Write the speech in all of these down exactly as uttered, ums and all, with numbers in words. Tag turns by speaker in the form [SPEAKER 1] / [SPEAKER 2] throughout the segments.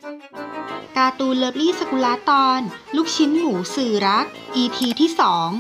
[SPEAKER 1] การ์ตูนเลิฟลี่สกุลาตอนลูกชิ้นหมูสื่อรัก อี พี ที่สอง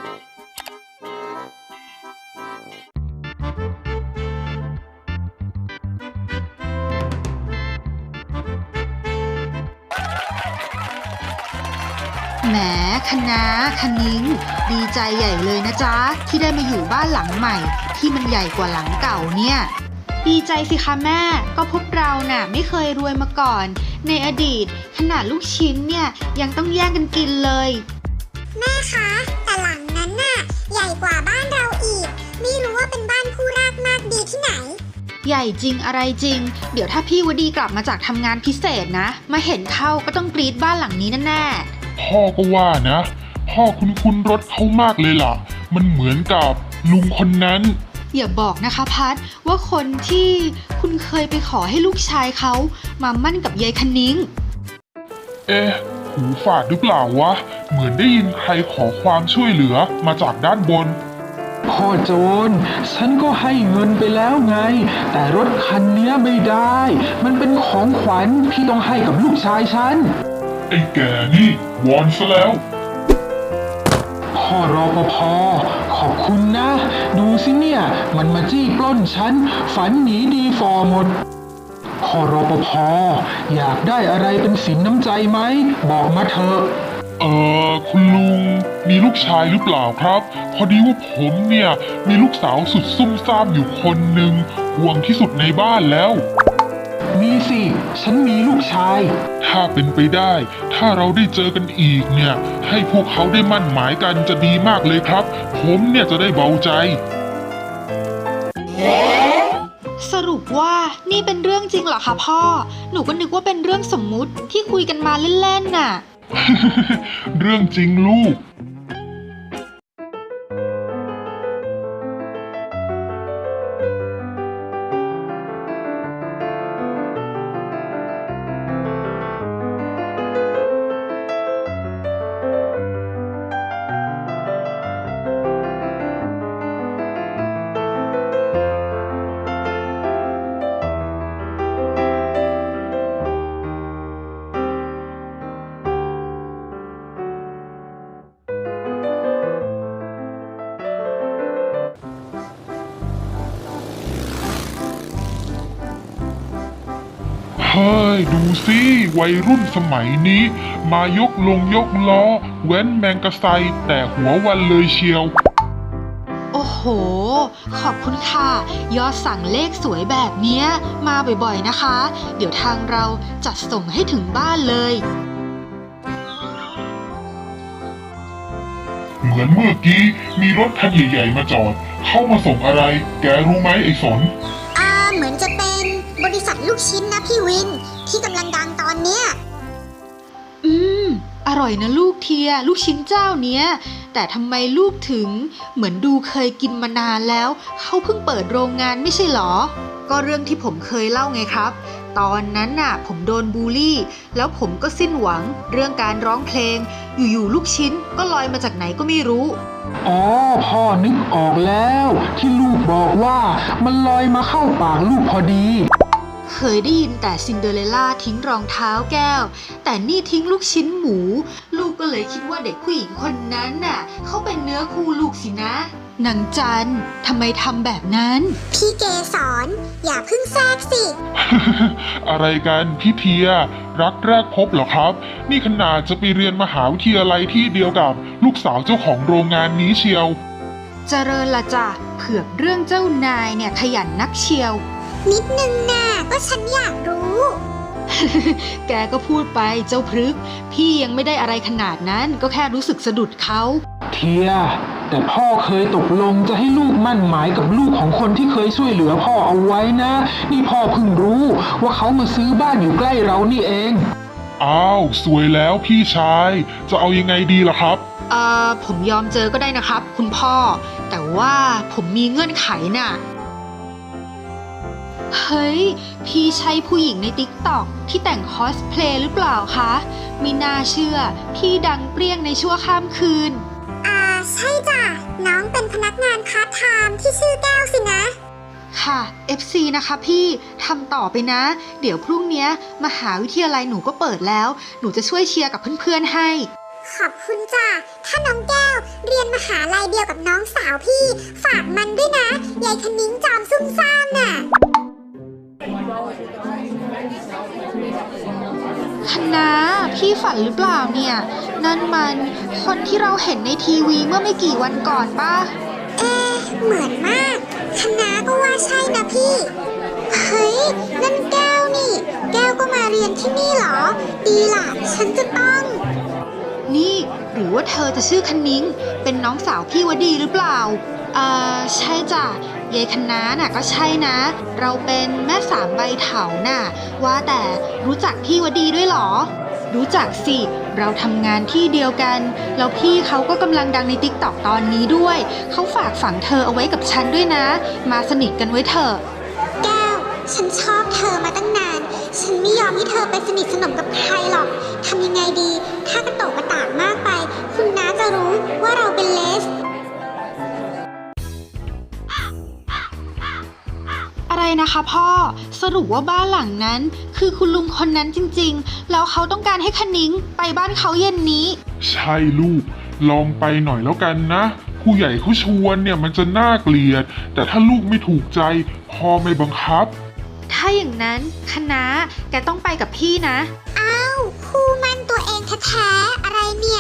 [SPEAKER 1] แหมคณะคณิ้งดีใจใหญ่เลยนะจ๊ะที่ได้มาอยู่บ้านหลังใหม่ที่มันใหญ่กว่าหลังเก่าเนี่ยดีใจสิคะแม่ก็พวกเราน่ะไม่เคยรวยมาก่อนในอดีตขนาดลูกชิ้นเนี่ยยังต้องแย่งกันกินเลย
[SPEAKER 2] แม่คะแต่หลังนั้นน่ะใหญ่กว่าบ้านเราอีกไม่รู้ว่าเป็นบ้านคู่รากมากดีที่ไหน
[SPEAKER 1] ใหญ่จริงอะไรจริงเดี๋ยวถ้าพี่วดีกลับมาจากทำงานพิเศษนะมาเห็นเข้าก็ต้องกรี๊ดบ้านหลังนี้แน่
[SPEAKER 3] ๆพ่อก็ว่านะพ่อคุ้นๆรถเขามากเลยล่ะมันเหมือนกับลุงคนนั้น
[SPEAKER 1] อย่าบอกนะคะพัดว่าคนที่คุณเคยไปขอให้ลูกชายเขามามั่นกับยายคณิ้ง
[SPEAKER 3] เอ๊ะหูฝาดหรือเปล่าวะเหมือนได้ยินใครขอความช่วยเหลือมาจากด้านบน
[SPEAKER 4] พ่อโจรฉันก็ให้เงินไปแล้วไงแต่รถคันนี้ไม่ได้มันเป็นของขวัญที่ต้องให้กับลูกชายฉัน
[SPEAKER 3] ไอ้แกนี่วอนซะแล้ว
[SPEAKER 4] พ่อรปภ.ขอบคุณนะดูสิเนี่ยมันมาจี้ปล้นฉันฝันหนีดีฟอหมดพ่อรปภ.อยากได้อะไรเป็นสินน้ำใจไหมบอกมาเถอะ
[SPEAKER 3] เออคุณลุงมีลูกชายหรือเปล่าครับพอดีว่าผมเนี่ยมีลูกสาวสุดซุ่มซ่ามอยู่คนหนึ่งห่วงที่สุดในบ้านแล้ว
[SPEAKER 4] มีสิฉันมีลูกชาย
[SPEAKER 3] ถ้าเป็นไปได้ถ้าเราได้เจอกันอีกเนี่ยให้พวกเขาได้มั่นหมายกันจะดีมากเลยครับผมเนี่ยจะได้เบาใจ
[SPEAKER 1] สรุปว่านี่เป็นเรื่องจริงเหรอคะพ่อหนูก็นึกว่าเป็นเรื่องสมมุติที่คุยกันมาเล่นๆน่ะ
[SPEAKER 3] เรื่องจริงลูกเฮ้ยดูสิวัยรุ่นสมัยนี้มายกลงยกล้อแว้นแมงกะไซแต่หัววันเลยเชียว
[SPEAKER 1] โอ้โหขอบคุณค่ะยอดสั่งเลขสวยแบบนี้มาบ่อยๆนะคะเดี๋ยวทางเราจัดส่งให้ถึงบ้านเลย
[SPEAKER 3] เหมือนเมื่อกี้มีรถคันใหญ่ๆมาจอดเข้ามาส่งอะไรแกรู้ไหมไอ้สน
[SPEAKER 2] อ่าเหมือนจะเป็นบริษัทลูกชิ้นนะพี่วินที่กำลังดังตอนเนี้ย
[SPEAKER 1] อืมอร่อยนะลูกเทียลูกชิ้นเจ้าเนี้ยแต่ทำไมลูกถึงเหมือนดูเคยกินมานานแล้วเขาเพิ่งเปิดโรงงานไม่ใช่หรอก็เรื่องที่ผมเคยเล่าไงครับตอนนั้นน่ะผมโดนบูลลี่แล้วผมก็สิ้นหวังเรื่องการร้องเพลงอยู่ๆลูกชิ้นก็ลอยมาจากไหนก็ไม่รู้
[SPEAKER 4] อ๋อพ่อนึกออกแล้วที่ลูกบอกว่ามันลอยมาเข้าปากลูกพอดี
[SPEAKER 1] เคยได้ยินแต่ซินเดอเรลล่าทิ้งรองเท้าแก้วแต่นี่ทิ้งลูกชิ้นหมูลูกก็เลยคิดว่าเด็กผู้หญิงคนนั้นน่ะเขาเป็นเนื้อคู่ลูกสินะนางจันทำไมทำแบบนั้น
[SPEAKER 2] พี่เกสรอย่าเพิ่งแทรกสิ
[SPEAKER 3] อะไรกันพี่เทียรักแรกพบเหรอครับนี่ขนาดจะไปเรียนมหาวิทยาลัยที่เดียวกับลูกสาวเจ้าของโรงงานนี้เชียว
[SPEAKER 1] เจริญละจ้ะเผือกเรื่องเจ้านายเนี่ยขยันนักเชียว
[SPEAKER 2] นิดนึงน่ะก็ฉันอยากรู้
[SPEAKER 1] แกก็พูดไปเจ้าพฤกษ์พี่ยังไม่ได้อะไรขนาดนั้นก็แค่รู้สึกสะดุดเขา
[SPEAKER 4] เทียแต่พ่อเคยตกลงจะให้ลูกมั่นหมายกับลูกของคนที่เคยช่วยเหลือพ่อเอาไว้นะนี่พ่อเพิ่งรู้ว่าเขามาซื้อบ้านอยู่ใกล้เรานี่เอง
[SPEAKER 3] อ้าวสวยแล้วพี่ชายจะเอายังไงดีล่ะครับ
[SPEAKER 1] เอ่อผมยอมเจอก็ได้นะครับคุณพ่อแต่ว่าผมมีเงื่อนไขน่ะเฮ้ยพี่ใช่ผู้หญิงในติ๊กต็อกที่แต่งคอสเพลย์หรือเปล่าคะไม่น่าเชื่อพี่ดังเปรี้ยงในชั่วข้ามคืน
[SPEAKER 2] อ่าใช่จ้ะน้องเป็นพนักงานพาร์ทไทม์ที่ชื่อแก้วสินะ
[SPEAKER 1] ค่ะ เอฟ ซี นะคะพี่ทำต่อไปนะ เดี๋ยวพรุ่งนี้มหาวิทยาลัยหนูก็เปิดแล้ว หนูจะช่วยเชียร์กับเพื่อนๆให้
[SPEAKER 2] ขอบคุณจ้ะถ้าน้องแก้วเรียนมหาลัยเดียวกับน้องสาวพี่ ฝากมันด้วยนะยายคณิ้งจอมซุ่มซ่ามน่ะ
[SPEAKER 1] คณะพี่ฝันหรือเปล่าเนี่ย นั่นมันคนที่เราเห็นในทีวีเมื่อไม่กี่วันก่อนป่ะ
[SPEAKER 2] เอ๊ะเหมือนมากคณะก็ว่าใช่นะพี่ เฮ้ย นั่นแก้วนี่ แก้วก็มาเรียนที่นี่เหรอ ดีล่ะ ฉันจะต้อง
[SPEAKER 1] นี่หรือว่าเธอจะชื่อคณิ้งเป็นน้องสาวพี่วดีหรือเปล่าเอ่อใช่จ้ะยายคณะน่ะก็ใช่นะ เราเป็นแม่สามใบเถาน่ะว่าแต่รู้จักพี่วดีด้วยเหรอ รู้จักสิเราทำงานที่เดียวกันแล้วพี่เขาก็กำลังดังในติ๊กต็อกตอนนี้ด้วยเขาฝากฝังเธอเอาไว้กับฉันด้วยนะ มาสนิทกันไว้เถอะ
[SPEAKER 2] แก้ว ฉันชอบเธอมาตั้งนาน ฉันไม่ยอมให้เธอไปสนิทสนมกับใครหรอก ทำยังไงดี ถ้ากระโตกกระตากมากไป คุณน้าจะรู้ว่าเราเป็นเลส
[SPEAKER 1] อะไรนะคะพ่อสรุปว่าบ้านหลังนั้น คือคุณลุงคนนั้นจริงๆแล้วเขาต้องการให้คณิ้งไปบ้านเขาเย็นนี้
[SPEAKER 3] ใช่ลูก ลองไปหน่อยแล้วกันนะ ผู้ใหญ่เขาชวนเนี่ยมันจะน่าเกลียด แต่ถ้าลูกไม่ถูกใจพ่อไม่บังคับ
[SPEAKER 1] ถ้าอย่างนั้นคณะแกต้องไปกับพี่นะ
[SPEAKER 2] อ้าวคู่มั่นตัวเองแท้ๆอะไรเนี่ย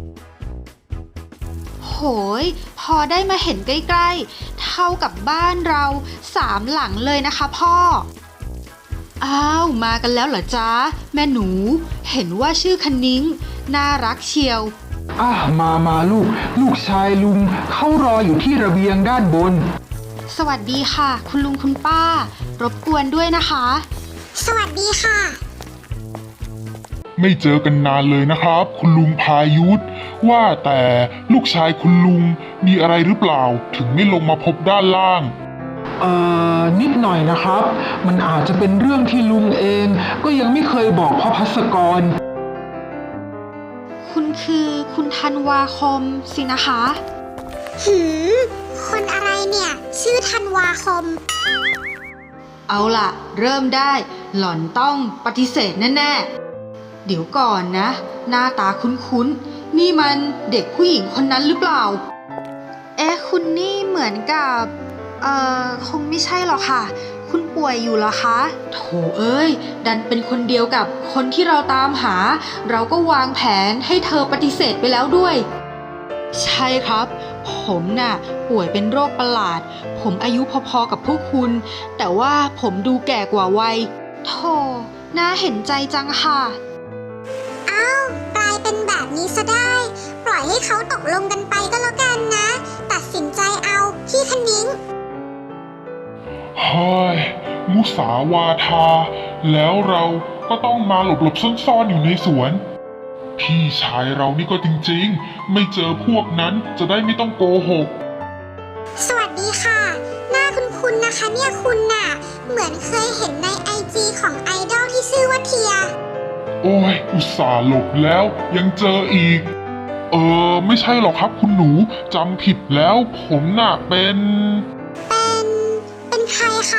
[SPEAKER 1] โหยพอได้มาเห็นใกล้ๆเท่ากับบ้านเราสามหลังเลยนะคะพ่ออ้าวมากันแล้วเหรอจ๊ะแม่หนูเห็นว่าชื่อคณิ้งน่ารักเชียว
[SPEAKER 4] อ่ะมามาลูก ลูกชายลุงเขารออยู่ที่ระเบียงด้านบน
[SPEAKER 1] สวัสดีค่ะ คุณลุงคุณป้า รบกวนด้วยนะคะ
[SPEAKER 2] สวัสดีค่ะ
[SPEAKER 3] ไม่เจอกันนานเลยนะครับ คุณลุงพายุทธว่าแต่ลูกชายคุณลุงมีอะไรหรือเปล่า ถึงไม่ลงมาพบด้านล่าง
[SPEAKER 4] เอ่อ นิดหน่อยนะครับ มันอาจจะเป็นเรื่องที่ลุงเอง ก็ยังไม่เคยบอกพ่อภัสกร
[SPEAKER 1] คุณคือคุณธันวาคมสินะคะ
[SPEAKER 2] หืม คนอะไรเนี่ย ชื่อธันวาคม
[SPEAKER 1] เอาล่ะ เริ่มได้หล่อนต้องปฏิเสธแน่ๆเดี๋ยวก่อนนะ หน้าตาคุ้นๆนี่มันเด็กผู้หญิงคนนั้นหรือเปล่า เอ๊ะคุณนี่เหมือนกับเอ่อคงไม่ใช่หรอกค่ะ คุณป่วยอยู่เหรอคะโถเอ้ยดันเป็นคนเดียวกับคนที่เราตามหา เราก็วางแผนให้เธอปฏิเสธไปแล้วด้วย ใช่ครับ ผมน่ะป่วยเป็นโรคประหลาด ผมอายุพอๆกับพวกคุณ แต่ว่าผมดูแก่กว่าวัยโธ่น่าเห็นใจจังค่ะ
[SPEAKER 2] อ้าวกลายเป็นแบบนี้ซะได้ ปล่อยให้เขาตกลงกันไปก็แล้วกันนะ ตัดสินใจเอาพี่คณิ้ง
[SPEAKER 3] เฮ้ย มุสาวาทา แล้วเราก็ต้องมาหลบหลบซ่อนๆอยู่ในสวน พี่ชายเรานี่ก็จริงๆ ไม่เจอพวกนั้นจะได้ไม่ต้องโกหก
[SPEAKER 2] สวัสดีค่ะ หน้าคุณคุณนะคะเนี่ยคุณน่ะ เหมือนเคยเห็นในไอจีของไอดอลที่ชื่อว่าเทีย
[SPEAKER 3] โอ้ย อุตส่าห์หลบแล้วยังเจออีก เออ ไม่ใช่หรอกครับคุณหนูจำผิดแล้วผมน่ะเป็น
[SPEAKER 2] เป็น เป็นใครคะ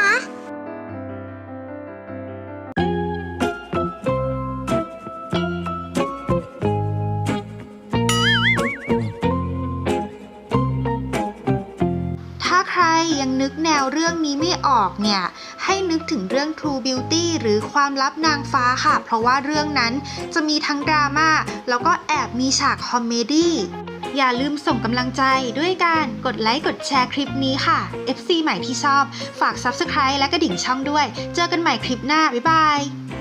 [SPEAKER 1] ถ้าใครยังนึกแนวเรื่องนี้ไม่ออกเนี่ยให้นึกถึงเรื่อง True Beauty หรือความลับนางฟ้าค่ะ เพราะว่าเรื่องนั้นจะมีทั้งดราม่าแล้วก็แอบมีฉากคอมเมดี้อย่าลืมส่งกำลังใจด้วยการกดไลค์กดแชร์คลิปนี้ค่ะ เอฟ ซี ใหม่ที่ชอบฝาก ซับสไครบ์ และกระดิ่งช่องด้วย เจอกันใหม่คลิปหน้าบ๊ายบาย